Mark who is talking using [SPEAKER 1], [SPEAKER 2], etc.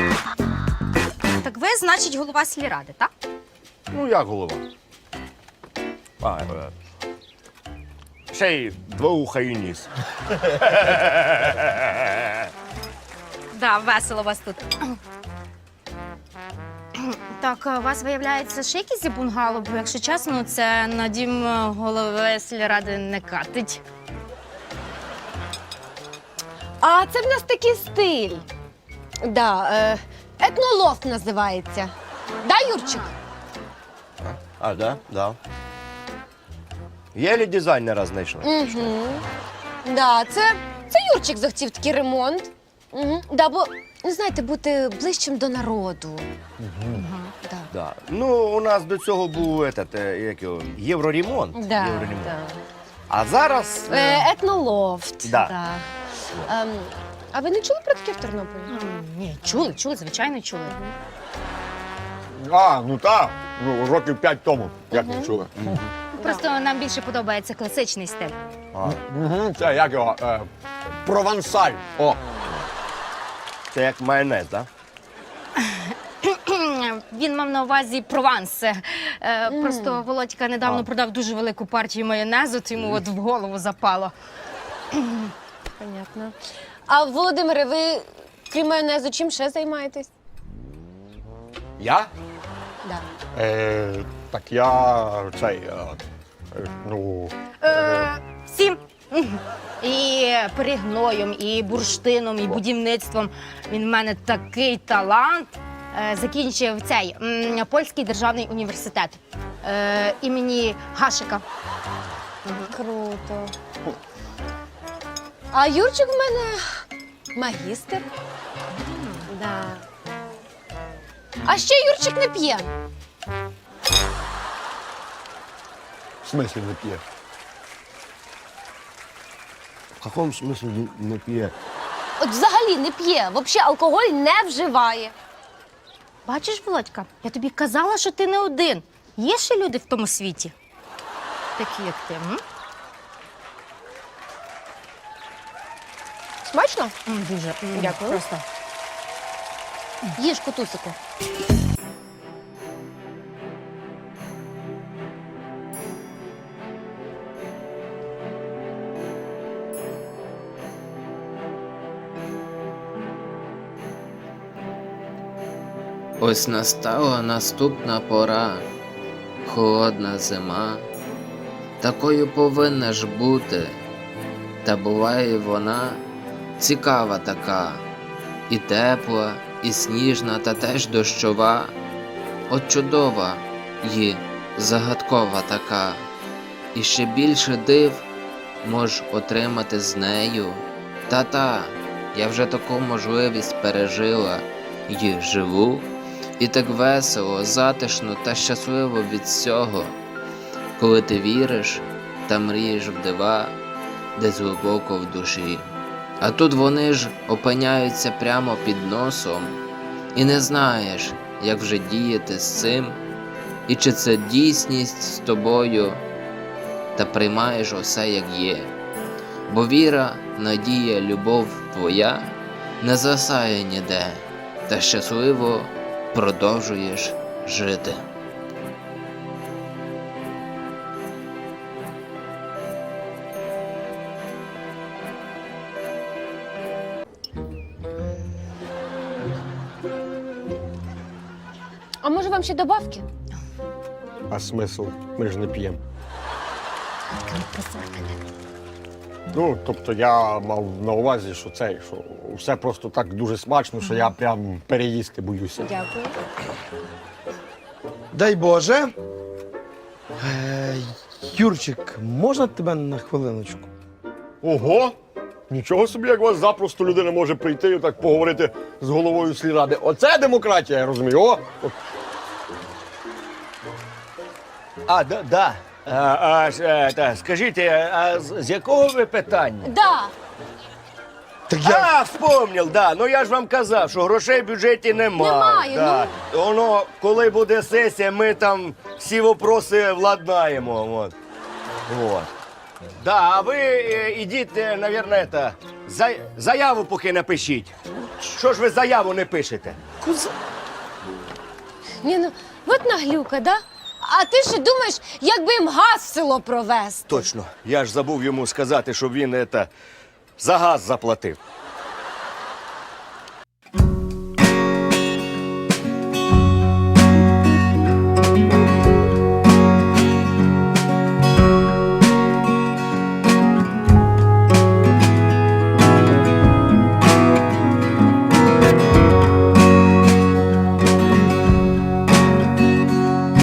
[SPEAKER 1] Так ви, значить, голова сільради, так?
[SPEAKER 2] Ну, як голова? Ще й двоуха і ніс.
[SPEAKER 1] Да, весело у вас тут. Так, у вас, виявляється, ще якісь бунгало, бо, якщо чесно, це на дім голови сільради не катить.
[SPEAKER 3] А це в нас такий стиль. Да, етнолофт називається. Да, Юрчик?
[SPEAKER 2] А, да? Да. Єлі дизайнера знайшли.
[SPEAKER 3] Угу. Да, це Юрчик захотів такий ремонт. Угу. Да, бо, знаєте, бути ближчим до народу. Да.
[SPEAKER 2] Да. Ну, у нас до цього був як його, євроремонт.
[SPEAKER 3] Да,
[SPEAKER 2] Євроремонт.
[SPEAKER 3] да.
[SPEAKER 2] А зараз...
[SPEAKER 3] Етнолофт.
[SPEAKER 2] Да.
[SPEAKER 3] Да. А ви не чули про таке в Тернополі?
[SPEAKER 1] Ні, чули, звичайно, чули.
[SPEAKER 4] А, ну так. Ну, років 5 тому, як не чули.
[SPEAKER 1] Просто нам більше подобається класичний стиль.
[SPEAKER 4] Угу. Це як його? Провансаль. О.
[SPEAKER 2] Це як майонез, так?
[SPEAKER 1] Він мав на увазі Прованс. Просто Володька недавно продав дуже велику партію майонезу, то йому от в голову запало.
[SPEAKER 3] Понятно. А, Володимире, ви, крім майонезу, чим ще займаєтесь?
[SPEAKER 4] Я?
[SPEAKER 3] Да.
[SPEAKER 4] Так я цей, ну...
[SPEAKER 1] Всім. І перегноєм, і бурштином, і будівництвом. Він в мене такий талант. Закінчив цей Польський державний університет імені Гашика.
[SPEAKER 3] Круто. А Юрчик в мене магістр. Да. А ще Юрчик не п'є.
[SPEAKER 4] В смислі не п'є?
[SPEAKER 2] В якому смислі не п'є?
[SPEAKER 3] От взагалі не п'є, взагалі алкоголь не вживає.
[SPEAKER 1] Бачиш, Володька, я тобі казала, що ти не один. Є ще люди в тому світі, такі як ти.
[SPEAKER 3] Смачно?
[SPEAKER 1] Дуже.
[SPEAKER 3] Дякую.
[SPEAKER 1] Просто.
[SPEAKER 3] Їж, котусику.
[SPEAKER 5] Ось настала наступна пора, холодна зима. Такою повинна ж бути, та буває вона цікава така, і тепла, і сніжна, та теж дощова. От чудова й загадкова така, і ще більше див мож отримати з нею. Та-та, я вже таку можливість пережила й живу. І так весело, затишно та щасливо від всього, коли ти віриш та мрієш в дива, десь глибоко в душі. А тут вони ж опиняються прямо під носом, і не знаєш, як вже діяти з цим, і чи це дійсність з тобою, та приймаєш усе як є. Бо віра, надія, любов твоя не засає ніде, та щасливо продовжуєш жити.
[SPEAKER 3] А може вам ще добавки?
[SPEAKER 4] А смисл? Ми ж не п'ємо. Ну, тобто я мав на увазі, що що все просто так дуже смачно, що я прям переїсти боюся.
[SPEAKER 3] Дякую.
[SPEAKER 6] Дай Боже. Юрчик, можна тебе на хвилиночку?
[SPEAKER 4] Ого! Нічого собі, як у вас запросто людина може прийти і так поговорити з головою сільради. Оце демократія, я розумію. О!
[SPEAKER 2] А, да. Скажіть, а з якого ви питання?
[SPEAKER 3] Да.
[SPEAKER 6] Так я.
[SPEAKER 2] А, вспомнив, да. Ну я ж вам казав, що грошей в бюджеті немає.
[SPEAKER 3] Немає,
[SPEAKER 2] да. Воно, коли буде сесія, ми там всі вопроси владнаємо. Вот. Да, а ви ідіть, мабуть, Заяву поки напишіть. Що ж ви заяву не пишете?
[SPEAKER 3] Ні, ну, от наглюка, да? А ти ще думаєш, як би їм газ в село провести?
[SPEAKER 2] Точно. Я ж забув йому сказати, щоб він за газ заплатив.